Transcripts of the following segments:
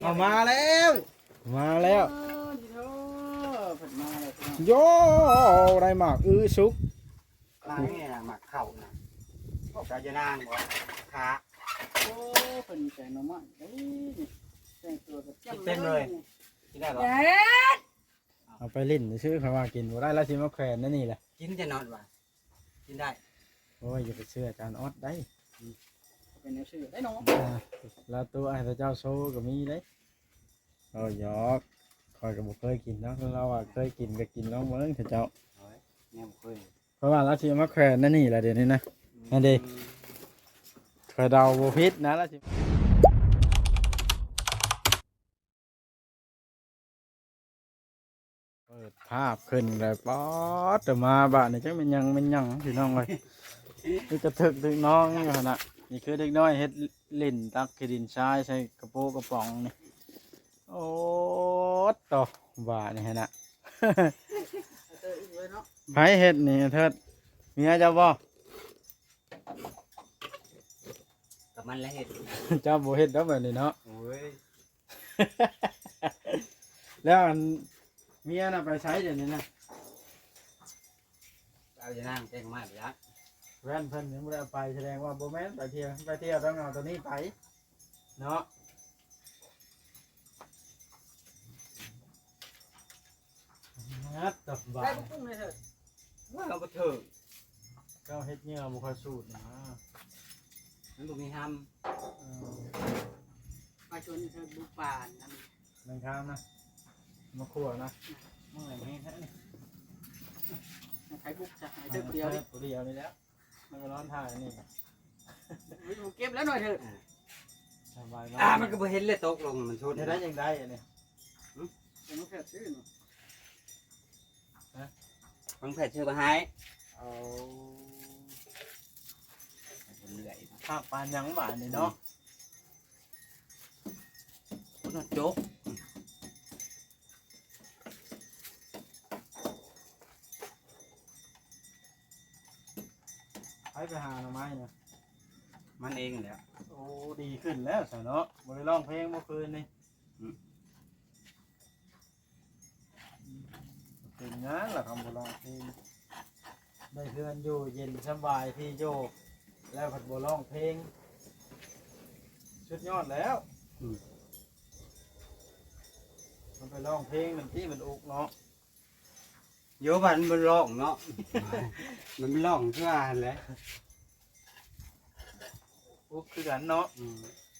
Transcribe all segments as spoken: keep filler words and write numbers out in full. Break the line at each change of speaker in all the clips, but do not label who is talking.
เอามาแล้วมาแล้ว
เออดีเถอะเพิ่นมาแล้วพี่น้อง
โยได้หมากอื้อซุก
มาเนี่ยหมักเข่านะพวกเราจะนั่งบ่ขา
โอ้เพิ่นแต่งหน่อไม้เอ้ยนี่แต่งตัวแบบจ้ำ
กินได้บ่
เด็ด
เอาไปลิ้นชื่อเขาว่ากินบ่ได้แล้วสิมาแขวนนั่นนี่แหละ
กินจะนอนว่ะกินได้
โอ้ยอย่าไปเชื่ออาจารย์ออดได้
เป็นแนวชื่อได้เนาะ
อ่าแล้วตัวไอ้พระเจ้าโซก็มีเด้โอ้ยยอกคอยก็บ่เคยกินเนาะเราอ่ะเคยกินก็กินน้องเบิ่งเถอะเจ้า
โอ้ยเนี่ยบ่เคย
เพราะว่าเราสิมาแขวนนั่นนี่แหละเดี๋ยวนี้นะ นั่นดิ คอยเดาบ่ผิดนะแล้วสิเปิดภาพขึ้นเลยป๊อดแต่มาบ้านนี่จังเป็นหยังเป็นหยังพี่น้องเลยนี่กระถึกถึงน้องอยู่หั่นน่ะนี่คือเด็กน้อยเฮ็ดลิ้นตักขี้ดินทรายใส่กระโปรงกระป๋องนี่โอ้ตโตบ้านี่หั่นน่ะ
เอออีกเลยเนาะ
ไผเฮ็ดนี่เถิดเมียเจ้าบ่
กับมันแล้วเห็ด
เจ้าบ่เฮ็ดดอกแบบนี้เนาะ
โอ้ย
แล้วอันเมียน่ะไปใช้เดี๋ยวนี้นะ
เราจะนั่งแจ้งมาไปละ
แว่นเพิ่นยังบ่ได้เอาไปแสดงว่าบ่แม่นไปเที่ยวไปเที่ยวต้องเอาตัวนี้ไปเนาะงัดตับบา
ได้
ด
บ่ปรุงเลยเถอะ
ว่าเราก็เถิง
เจ้าเฮ็ดเหงื่อบ่ค่อยสูดนะ
มันบ่มีห้
เออ
มาชวนเธอบุกป่านนั่น
นั่งข้ามนะมาขั่วนะเมื่อไหร่ให้แท้นี่
ใครบุกจะหายเธอคนเดียวดิ
ตัวเดียวนี่แล้วมันก็ร้อนถ่ายนี่
ไม่ต้องเก็บแล้วหน่อยเถอะ
สบาย
ำ
มา
อ่าก มันก็บ่เห็นเลยตกลงมันชน
ได้ได้ยังได้อันนี้
เดี๋ยวน้องแพทย์ซื้อเนาะ
มันแผดชื่อมาให้
เอา
เรื่อย
ภาพปานยังบาดนี่เนาะ
คุณโจ๊ก
ไปไปหาหน่อไม้เนี่ย
มันเองแหละ
โอ้ดีขึ้นแล้วสะเนาะบ่ได้ร้องเพลงเมื่อคืนนี่เป็นงานล่ะคำบ่ร้องเพลงได้เพื่อนอยู่เย็นสบายที่โยกแล้วผัดบ่ร้องเพลงสุดยอดแล้วมันไปร้องเพลงมันที่มันอุกเนาะ
โยบันมันร้องเนาะ มันไม่ร้องเพื่ออะไร
อุกคือกันเนาะ
อืม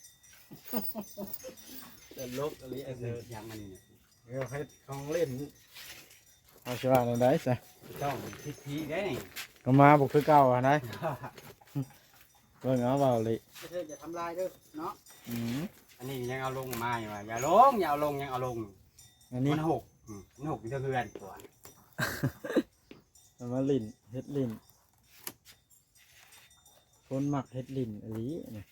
แต่ลกอะไร
เอ
ไอ้
อ
เด้อ
ยังมันเนี่ย
เดี๋ยวเฮ็ดของเล่นเอาสิว่าจั่งใดซะ
ต้องทิศทีได้นี่
ก็มาบ่คือเก่าอะนะเบิ่งเอาเว้าเลย
เธออย่าทำลายเด้อเนาะ
อืม
อันนี้ยังเอาลงมาอยู่ว่ะอย่าลงอย่าเอาลงยังเอาลง
อันนี้
มันหกอืมมันหกอยู่เท่าเพื่อนตัว
เอามาลิ้นเฮ็ดลิ้นคนมักเฮ็ดลิ้นอหลีนี่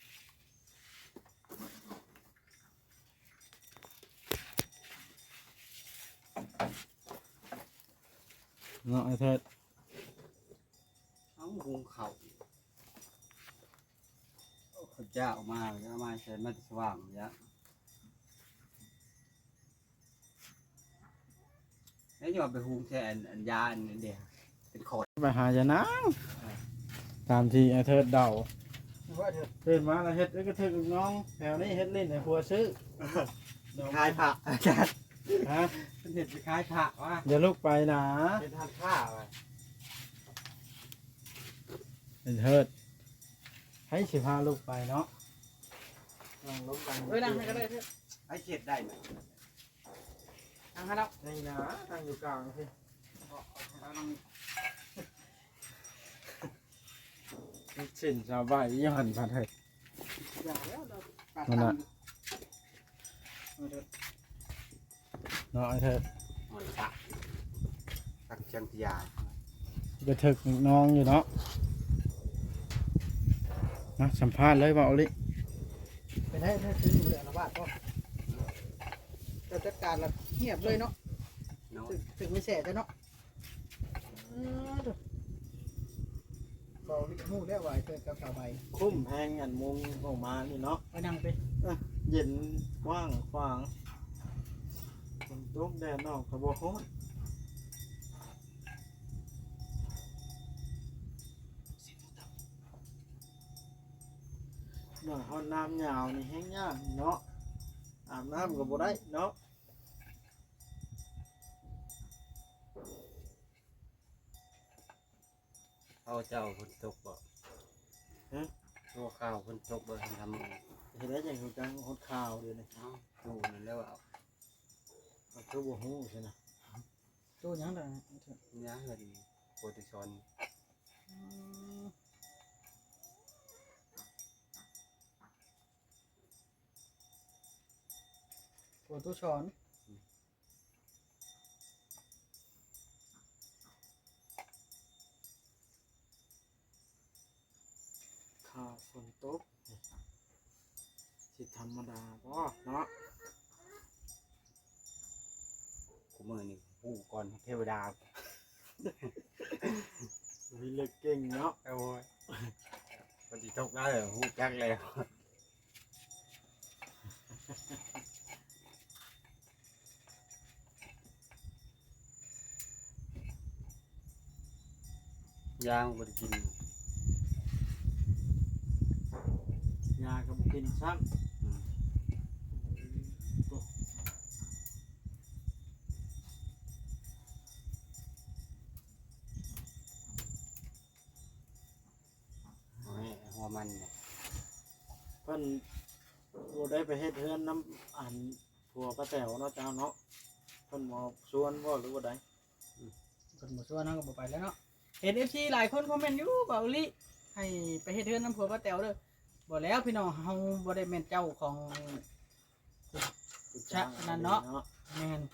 เนาะไอ้เถิด
เอาหุงเขาเขาเจ้าออกมาเอามาใช้มันสว่างยะแล้วอย่าไปหุงแทนอันยาอันเดียวเป็นขด
ไปหาจะนางตามที่ไอ้เถิดเดา
ว่าเถอะ
ตื่นมาแล้วเฮ็ดแล้วก็ถึกลูกน้องแถวนี้เฮ็ดลิ้นให้ผัวซื้อ
คล้ายผักอาจารย์
ฮะ
เป็นเห็ดคล้ายผักว่ะ
อย่าลุกไปนะ
เป็นทานข้าวว่ะ
ไอ้เถิดให้สิพาลูกไปเนาะนั่งลงกัน
เฮ้ยนั่งให้ก็ได้เถอะ
ไอ้เข็ดได้ไหม
นั่งให้แล้ว
นี่นะนั่งอยู่กลางสิ
เอานั่ง
สินชาวบ้านยี่หันพันเถิด
อย่าแล้วเราปาด
นั่นน่ะ
เอาเถอะ
เนาะไอ้เถิด
มันผักผักเชียงพยา
ไปถึกน้องอยู่เนาะนะสัมภาษณ์เลยว่าเอาลิ
ไปได้ถ้าซื้ออยู่เดือนละบาทก็จะจัดการแล้วเงียบเลยเนาะ
เนาะ
ถึงถึงไม่แสบเลยเนาะเออเถอะบอกลิมูได้ไหวเกิดกับสาวใบ
คุ้มแพงอันมุงออกมานี่เนาะ
ไปนั่งไป
นเย็นกว้างขวางฝนตกแดดออกก็บ่ฮ้อนหน่อยฮ้อนน้ำยาวนี่แห้งยากเนาะอาบน้ำก็บ่ได้เนาะ
เอาเจ้าคนตกบ่ฮะตัวข้าวคนตกบ่ทำไง
เห็นได้จังคือจังฮดข่าวเดี๋ยวนี้
เอ้าดูนั่นแล้วเอา
ก็คือบ่ฮู้ใช่นะ
ตู้หยังได้
ย่างกันโปรติชอน
ตัวตู้ช้อน
ข่าวฝนตกสิธรรมดาบ่เนาะ
กูมือนี่ผู้ก่อนเทวดา
วิเล็กเก่งเนาะ
โอ้ยคนที่ตกได้เลยผู้จักแล้วย่างบ่ได้กิน
ยาก็บ่กินซ้ำ
หัวมันเนี่ย
เพิ่นบ่ได้ไปเฮ็ดเฮือนน้ำอันผัวป้าแต๋วเนาะเจ้าเนาะเพิ่นบ่ชวนบ่หรือว่าใด
เพิ่นบ่ชวนเฮาก็บ่ไปแล้วเนาะเห็น เอฟ ซี หลายคนคอมเมนต์อยู่เบาอีหลิให้ไปเฮ็ดเฮือนน้ำผัวป้าแต๋วเด้อบ่แล้วพี่น้องเฮาบ่ได้แม่นเจ้าของ ชะนั่นเนาะ แม่น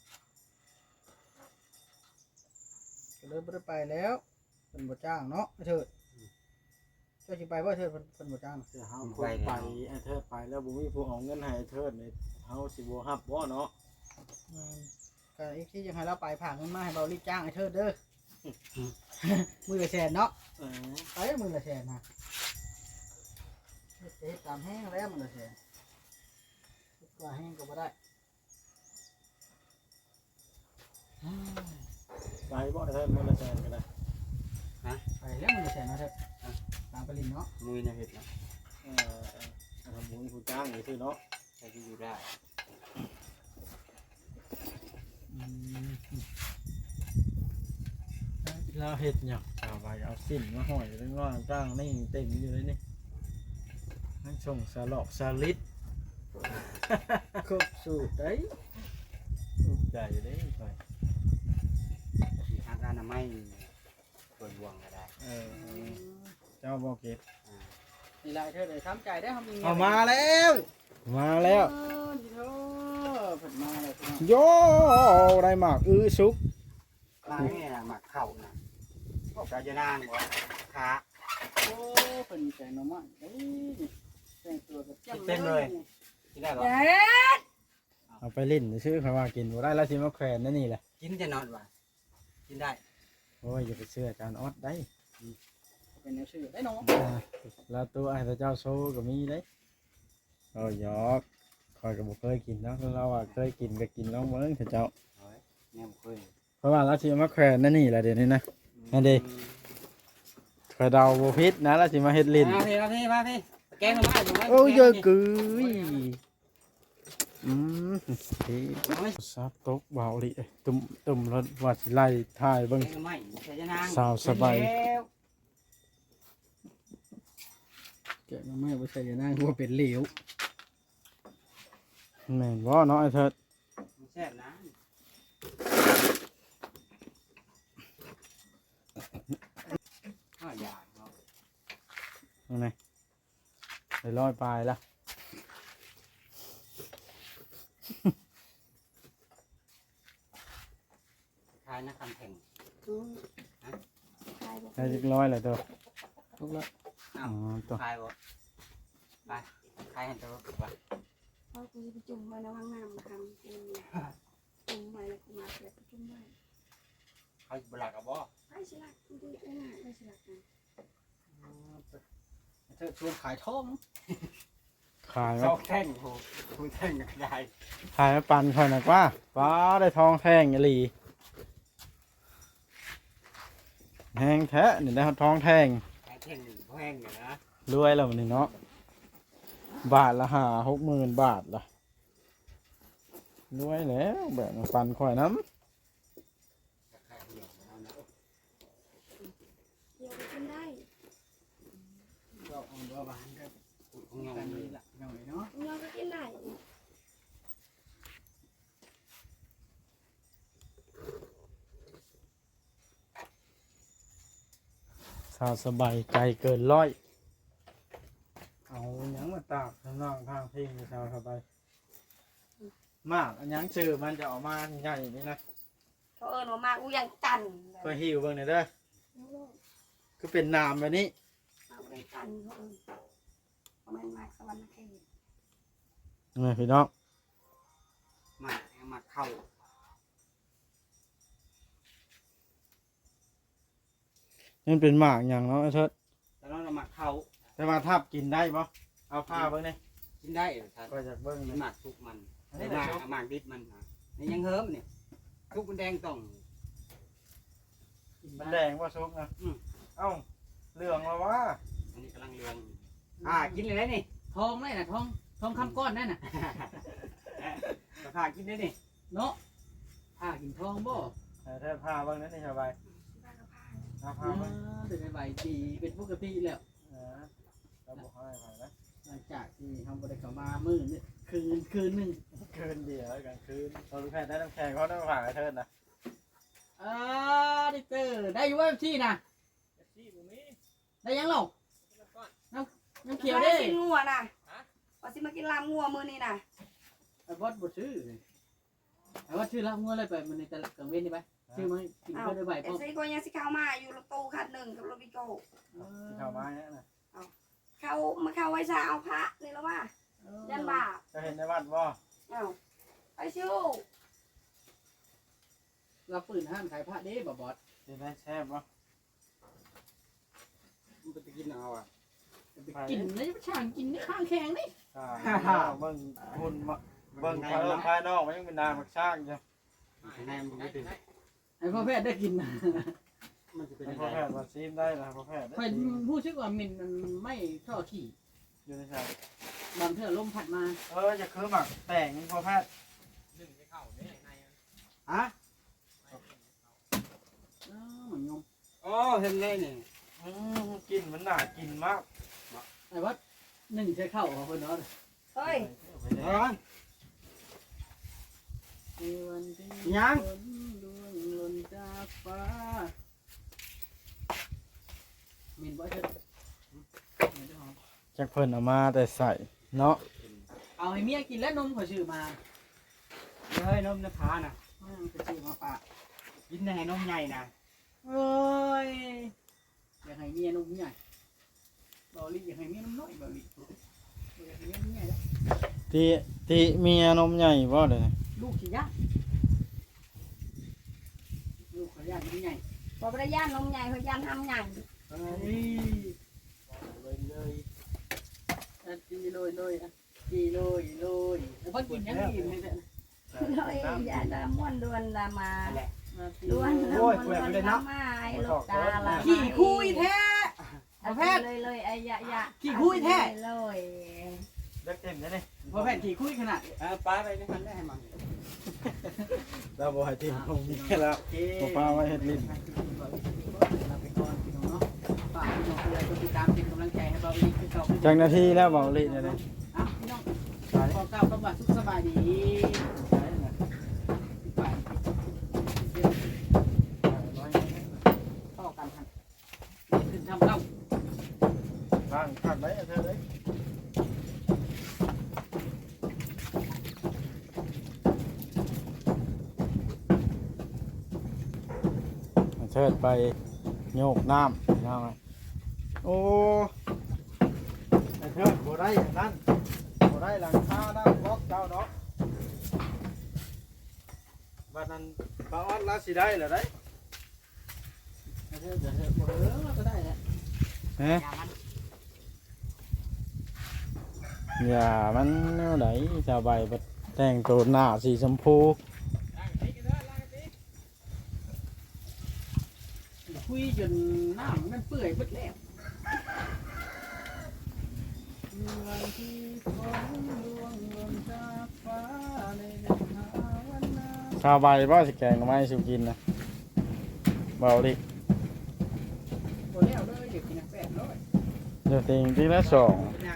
ก็เลยบ่ได้ไปแล้วเพิ่นบ่จ้างเนาะไอ้เถิดเจ้าสิไปบ่เถิดเพิ่นเพิ่นบ่จ้าง
แต่เฮาเพิ่นไปไอ้เทิดไปแล้วบ่มีผู้เอาเงินให้ไอ้เทิดนี่เฮาสิบ่รับบ่เนาะ
อืมก็อีกที่ยังให้เราไปผ่าเงินมาให้เบาลีจ้างไอ้เทิดเด้อ มือละแสนเนาะ
เออ
ไปมือละแสนนะเฮ็ดเฮ็ดตามแห้งแล้วมือละแสนเฮ็ดกว่าแห้งก็บ่ได้อ้าว
ไปบ่ไอ้เทิดมื้อละแสนก็ได้
ไปแล้วมือละแสนเนาะเถิดตามไปลินเนาะ
มุ้ยนะเห็ดนะ
เออเออเอาบ่มีผู้จ้างนี่ซื่อเนาะ
ใช้ที่อยู่ได้
อืม
เราเฮ็ดหยังชาวบ้านเอาสิ้นมาห้อยไว้ว่าจ้างนี่เต็มอยู่เลยนี่ให้ส่งสลอกสลิด
ครบสูตรได้
ถูกใจเด้ข่อย
ทางการอนามัยเปิดวงก็ได้
เออเจ้าบ่เก็บ
อ่า
นี่ลายเทิดเลยทำใจได้ทำมีงิน
เอามาแล้ว มาแล้ว
เออดีเถอะเพิ่นมาแล้วพี่น้อง
โยได้หมากอื้อซุก
ร้านนี้นะหมักเข่านะพวกกาจะนางบ่ขา
โอ้เพิ่นใจน้ำมันเอ้ยแต่งตัวกับจ้ำ
กินได้บ่
เอาไปเล่นซื้อเขาว่ากินบ่ได้แล้วสิมาแขวนนั่นนี่แหละ
กินจะนอนว่ะกินได้
โอ้ยอย่าไปเชื่ออาจารย์ออดได้
เป็นแนวชื่อได้น้อง
อ่าแล้วตัวไอ้พระเจ้าโซก็มีได้โอ้ยหยอกคอยก็บ่เคยกินเนาะเราว่าเคยกินก็กินน้องเบิ่งเถอะเจ้า
โอ้ยแม่บ่เคย
เพราะว่าเราสิมาแขวนนั่นนี่แหละเดี๋ยวนี้นะ นั่นดิ คอยเดาบ่ผิดนะเราสิมาเฮ็ดลิ้น
มาพี่มาพี่มาพี่แกงมาอยู่ไหม
โอ้ยเยอะกึยอืมที่ซับตกเบาลิเอ้ยตุ่มตุ่มรถวัดสิไล่ถ่ายเบิ่ง
แกงไม่ใช่จะนาง
สาวสบาย
แล้ว
แกะมาไม่บ่ใช่จะนั่งว่าเป็นเหลว
แม่นบ่เนาะไอ้เถิด
แซ่บนะ ข้าวหยาบเนาะ
นั่นไงไปร้อยปลายละ
คล้ายนักคำแข่ง
ได้จักร้อยแล้วตัว
ทุกแล้ว
อ้า
อ๋
ว
อตัว
คล้ายบ่ไปคล้ายเห็นตัวบ่ว่า
พอกูจะไปจุ่มไว้ในห้องน้ำมาทำกินจุ่มไว้แล้วกูมาแล้วก็จุ่มไว้
เขาสิบ่รักกับบ่
ไอ้สิลักกูดูไอ้หน้าไอ้สิลักนะ
เธอชวนขายทอง
ขาย
ส
มา
องแท่งโหผู้แท่งก็ได้
ขายมาปันค่อยหนักว่าป้าได้ทองแท่งอีหลีแห้งแท้นี่ได้ทองแท่ง
ขายแท่งหนึ่งแท่งอยู่นะ
รวยแล้วนี่เนาะบาทละห้าหกหมื่นบาทละรวยแล้วแบบมาปันค่อยน้
เดี๋ยวไปกินได้
เราเอาบัวบานก็
ของเรา
กัน
เล
นี้
ย
ละหน่อยเนาะ
เราก็กินได้
ำสาวสบายใจเกินร้อย เอาหยังมาตากข้างนอกข้างพิงสาวสบายมากอันหยังชื่อมันจะออกมาใหญ่นี่นะ
เขาเอิญว่ามากกูยังจัน
เพื่อหิวเบิ่งหน่อยเด้อคือเป็นน้ำแบบนี้
มากกูยังจันเขาเอิญประมาณมากสวรรค์เขต
นี่พี่น้อง
หมักหมักเข้า
นี่เป็นหมากอย่างเนาะไอ้เทิด
แล้วเราหมักเข้า
แต่ว่าทับกินได้ปะเอาผ้าเบิ่งนี่
กินได้เหรอท่าน
ก็จะเบิ่ง
มี
นี่
หมักทุกมัน
อัน
ห
นี้
มั
นะ
ก
ชุบ
หมักดิบมันนะนี่ยังเฮิมเนี่ยทุกมันแดงต้อง
กิน
มั
บ้าน น
แดงว่าชุบนะ
อืม
เอ้าเหลืองแล้ววะ
อันนี้กำลังเรืองอ่ากินเลยนะนี่
ทองเลยน่ะทองทองคำก้อนนั่นน่ะ
ราคากินได้นี่
เนาะผ้ากินทองบ่
แต่ถ้าผ้าเบิ่งนั้นนี่สบาย
บ้านเราพา
เอา
อ่า
ผ้าเบิ่ง
เป็นใบดีเป็นปกติแล้ว
เออเราบอกให้ไปนะ
หลังจากที่ทำบริกรรมมามื้อนี่คืนคืนหนึง
คืนเดียวกลางคืนเราลูกแพทย์ได้น้ำแข็งเขาต้องผ่าไอ้เทิดนะ
อ่าดิเตอร์ได้อยู่ว่าที่น่ะได้ยังหรอน้ำน้ำเขียว
ได้
เด้
กินงัวน่ะว่าสิมากินลามงัวมื้อนี้น่ะ
ไอ้บอสบ่ซื้อไอ้บอสซื้อละงัวเลยไปมันในตลาดกลางเว้นนี่ไปซื้อมากิน
อ้า
เพื่อได้ใบ
เอ
พร้อม
ซีก็ยังสิเข้ามาอยู่รถตู้คันหนึ่งกับรถวิโก้
ที่เข้ามาเนี่ยนะ
เข้ามาเข้าไว้ซาเอาพระนี่แล้วว่ายันบาป
จะเห็นในวัดบ่
เอ้าไปชิว
เราปืนห้ามขายผ้าเด้บ่บอส
จะได้แซ่บบ่
มันไปกินเอาอ่ะ
ไปกินแล้วจะช่างกินในข้างแข็งนี่
อ่าเบิ่งหุ่นมาเบิ่งภายนอกภายนอกมันยังเป็นนางมักช่างจ้ะ
แนมมันไม่ถึง
ไอ้พ่อแพทย์ได้กินนะ
มันจะเป็น
ให้
ยัง
พ่อแพ
ไง
ทย์มาซีมได้นะพ่อแพทย์ได้
ค่อยผู้ชื่อว่ามินมันไม่ท่อขี่
อยู่ในชาย
บางเทื่อลมพัดมา
เออจะคือหมักแต่งพ่อแพทย์
ฮะ
เออเหมือนงม
อ๋อเห็นเลยนี่
อืมกลินมันน่ากินมาก
ไอ้ว่าหนึ่งใช้ข้าวของคนเนาะ
เฮ้ย
เฮ้ย
ในวันที่
ยัง
ฝนร่วงหล่นจากฟ้ามินบ่เถิดมินเด้อ
จักเพิ่นเอามาแต่ใส่เนาะ
เอาให้เมียกินแล้วนมเขาชื่อมา
เฮ้ยนมนภาน่ะ
อืมเขาชื่อมาฝาก
กินแน่นมใหญ่นะ
เอ้ยอยากให้เมียนมใหญ่เบาลีอยากให้เมียนมน้อยเบาลีอยากให้เมียนมใหญ่แล้ว
ที่ที่เมียนมใหญ่บ่เด้อ
ลูกขี้ยากลูกเขายากนมใหญ่
บอกว่าย่านนมใหญ่เขาย่านทำใหญ่
เฮ้ยเลยเลยอ่ะจีเลยเลยอ่ะจีเลยเลยแล้วพ่อกินยังกินไม่ได้
เลยอย่าดาม่วนดวนดามา
นั่นแหละ
มาตี
ดวนดาม่วนดวนดามาไอ้ลูกตาละ
ขี่คุยแท้
เอาแพทย์เลยเลยไอ้ยะยะ
ขี่คุยแท้
เลย
เลิกเต็มแล้วนี่
พอแผ่นขี่คุยขนาด
เออป้าไปไม่ทันได้ให้มัน
เราบ่ให้ทีมคงมีแล้ว บ่ปลาไว้เฮ็ดลิ้น
ลาไปก่อนพี่น้องเนาะฝากพี่น้องเพื่อนกดติดตามเป็นกำลังใจให้เราอีกคือเก่า
จังนาทีแล้วบอกลิเนี่ยเลย
อ่ะพี่น้องขอเก้าคำว่าสุขสบายดีต่อกันครับขึ้นทำเก้า
ร่างขาดไว้เธอเลยเชิดไปโยกน้ำน้ำไงโอ้ไอ้เชิดบ่ได้อย่างนั้นบ่ได้หลังคาน้ำบล็อกเจ้าเนาะบัดนั้นปลาออดลาสิได้เหรอได้
เดี๋ยวเดี๋ยวเดี๋ยวเออก็ได้แหละ
เฮ้
อย่ามัน
อย่ามันแนวไหนชาวใบบัดแต่งตัวหน้าสีชมพู
คุยจนน้ำมันเปื่อยหมดแล้ววันที่ฝนร่วงหล่นจากฟ้าในเดือนหาวันนา
ชาวใบบ่สิแกงหน่อไม้สิกินนะเบาดิ
โอ้แล้วเลยเดี๋ยวกินแปดร้อย
เดี๋ยวติงทีละสอง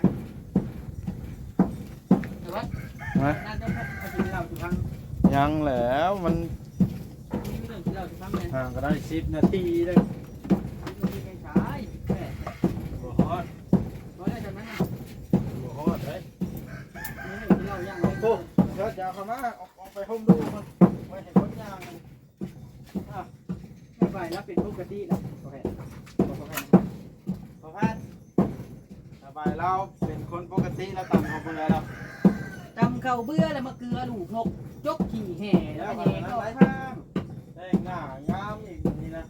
แต่ว่า
นะ
น่าจะพัดพอกินเหล้าทุกครั้ง
ยังแล้วมัน
มีเรื่องกินเหล้าทุกครั้งเลย
ห่างก็ได้สิบนาทีเลย
มีคนที่ใช้แปด
บ่ฮอด
เพราะได้จากนั้น
บ่ฮอดเลย
มีเรื่องกินเหล้าย่างเลย
โอ้เดี๋ยวจะเอาเข้ามาออกออกไปห่มดูมันไว้ให้คนย่างมัน
ไม่ไหวแล้วเป็นปกติแล้วโอเคโอเค
พอแพทย์สบายเราเป็นคนปกติแล้วต่ำของคนแล้วเรา
จำเข้าเบื่อแล้วมาเกลือลูกนกยกขี่แห่แล้
แล้ว ว
ก็
ก็
แย่
นั้น
ก็
ไร
ไว้
ทางแต่งหน้างามอีกนี่นะ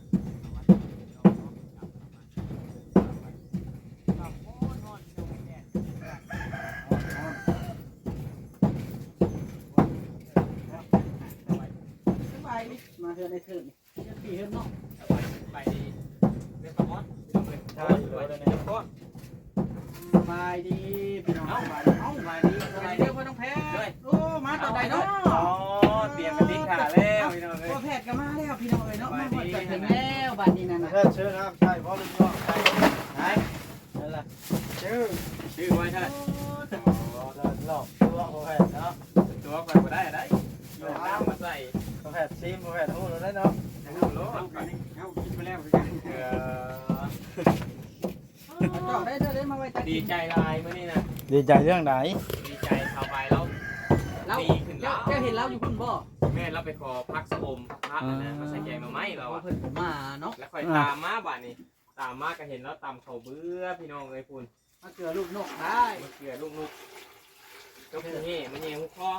สบายดิมาเถอะในเถิดนี่จะขี่เถิดเนาะ
ไปดีเรื่องประมอดพี่น้องเลย
ใช่
ไป
เลย
ดี
นะ
พ่อ
สบายดีพี่น้องสบายดีเอ้าสบายดีสบายดีเพื่อนน้องแพทย์โอ้มาต่อใดเนาะ
อ๋อเตรียมกันทิ้งขาแล้วพี่น้องเลย
พ่อแพทย์ก็มาแล้วพี่น้องเลยเนาะมาหมดกันถึงแล้วบัดนี้นั่นน่ะ
แพทย์เชื่อครับใช่เพราะลูกน้องใช่
ไหน
นั่นแหละชื่อ
ชื่อไว้เถอะ
อ๋อเดินหลอกตัวพอแพทย์เนาะ
ตัวไปบ่ได้ได้โยนน้ำมาใส่
พอแพทย์ซีมพอแพทย์หูเราได้เนาะ
เอาโลดไป
เอากินไปแล้ว
เออ
จอดได้เถอะได้มาไว้ตัก
ดีใจลายมื่อนี้นะ
ดีใจเรื่องไหน
ดีใจเข้าไปแล้ว
เรา
ดีขึ้นแล้
เจ้าว เจ้าเห็นเราอยู่คุณบ่
แม่เราไปขอพักสะอมพักนะมาใส่แกงหน่อไม้เรา
เรา
อะ
เพิ่นผมมาเนาะ
แล้วค่อยตามมาบ้านนี้ตามมาก็เห็นแล้วตามเขาเบื่อพี่น้องเลยคุณ
มาเกลือลูกนกได้
มาเกลือลูกนุกก็คือเฮ่มันเยี่ยหุคอ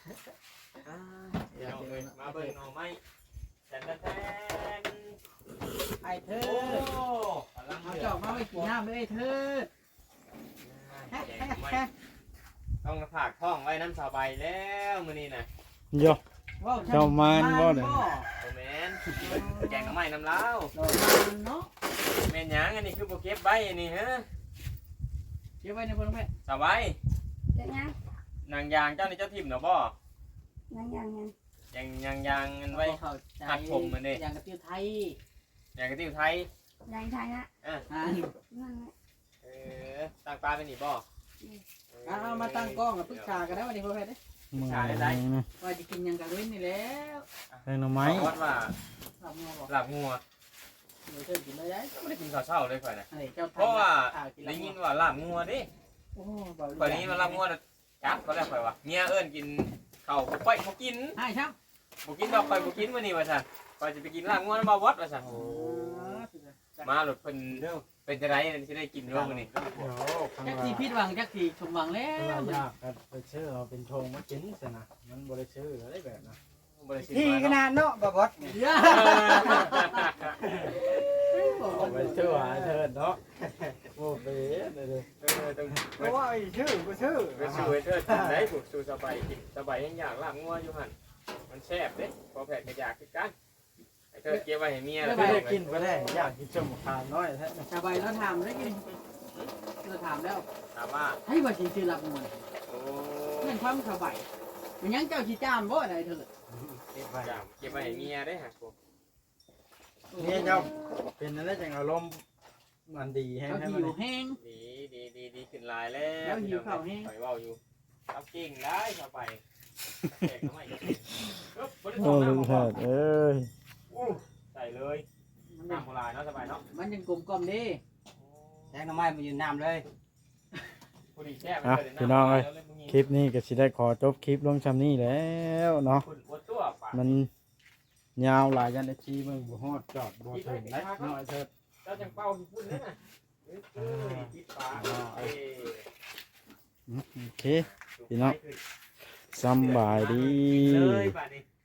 พี่น้องเลยมาเบิ่งหน่อไม้แทนแทน
ไอ้เธ
โอ้
อก
ำลัง
เอา
เดือ
จอก
ด
มาไว้กินน้ำเลยเธอ
แกงหน่อไม้ต้องผากท้องไว้น้ำสบายแล้วมื้อนี้นะ
โย เจ้ามันบ่เด้อ
โอแมนแกงหน่อไม้น้ำเล้าว
ดอกมันเนาะ
แม่นหยังอันนี้คือโปเก็บไว้อันนี้ฮะ
เก็บไว้ในพลแม่
สบาย
เด็กยัง
นางยางเจ้านี่เจ้าทิมเนาะบ่
ยังยังยัง
ยังยังยังอันไว้
เข้าใจ
หักผมมันดิ
อย่างกระติ้วไทย
ยังกระติ้วไทย
ยังไทยนะ
อ่ะ
อ่า
นั่นแหละ
เออตั้งปลาเป็นนี่บ่
เอามาตั้งกล้องกับปรึกษากันได้วันนี้พ่อแพทย์เด้
มือ
ใช่ได้
นะ
ว่าจะกินหยังกันเว้นนี่แล้ว
แตงหน่อไม้
วัดว่า
ทำงอบอก
หลับงัว
เดี๋ยวเธอกินเลยได้
ไม่ได้กินข้าวเช้าเลยข่อยนะ
อะไรเจ้า
เพราะว่า
อ่กิน
ได้
แล้ว
ยินว่าหลับงัวดิ
โอ้เบา
ข่อยนี้มาหลับงัวน่ะจับก็ได้ข่อยว่าเมียเอิ้นกินข้าวบ่ค่อยบ่กิน
ใช่ครับ
บ่กินดอกข่อยบ่กินมื้อนี้ว่าซั่นข่อยสิไปกินลาบงัวน้ำบ่วัดว่าซั่นมาหลุดเพิ่นเป็นจังได๋สิได้กินร่วมมื้อนี้
เดี๋ยวข้าง
จัก
ห
สี
ลัง
พิษหวังจักสีสมหวังแล้
ข้างหลังยากครับไปชื่อเราเป็นธงมากินสินะมันบริชื่ออะไรแบบนะ
บ่ได้สิ
ที่ข
มาเนาะ
นาดเนาะบะบด
เออ
เอาไปชื่อหาเชิญเนาะโอ้เบ๊ะเลยเลย
เออต้อง
เพราะว่าไอ้ชื่อกูชื่อ
ไปสู่ให้เทิดกินได้ถูกสู่สบายกินสบายยังอยากลาบงัวอยู่หั่นมันแซ่บเด้พอแผดก็อยากคือกันไอ้เทิดเก็บไว้ให้เมียแล้ว
ไม่ได้กินก็ได้อยากกินชมขานน้อยแท้
สบายแล้วถามได้กินเราถามแล้ว
ถามว่า
ให้ว่าสิซื้อหลับมวน
โอ้
เงินความสบายมันยังเจ้าสิจ้ามบ่ได้เถิด
เก็บไป
จำเก็บไว้ให้เมียได้ฮะผม
เนี่ยเจ้าเป็นอะไรจังอารมณ์มันดีให้
เจ้า
ให้
หิ
มัน
วแห้ง
ดีดีดีดีขึ้นลายแล้ว
แล้วหิวข้าวแห้ง
ปล่อยเว้าอยู่เอาเก่งได้สบายแขกทำไมปึ๊บบริ
โอ้
สุทธิ์
ลุง
น้ำ
แพ
บ่
ทย์เอ้ย
อู้ใส่เลย
มัน
น้ำโบราณเนาะสบายเนาะ
มันยังกลมกล่อมดี
แทงน้ำไม้มายืนน้ำเลยพอดีแช่ไป
อ่ะ
เลย
พี่น้องเอ้ย
แล้วเลยมึงยิง
คลิปนี้ก็สิได้ขอจบคลิปลงชำนี้แล้วเนาะ
คุณอวดตัวปาก
มันยาวหลายยันได้ชีมึงบ่ฮอดจอดบ่ถึงได้น้อยเถิด
เจ้าจังเป้าที่พูดเนี่ยนะเอ้ยเอ้ยปิดปากเอ้ย
อืมโอเค พี่น้อง สำบายดี
เลยบาดนี้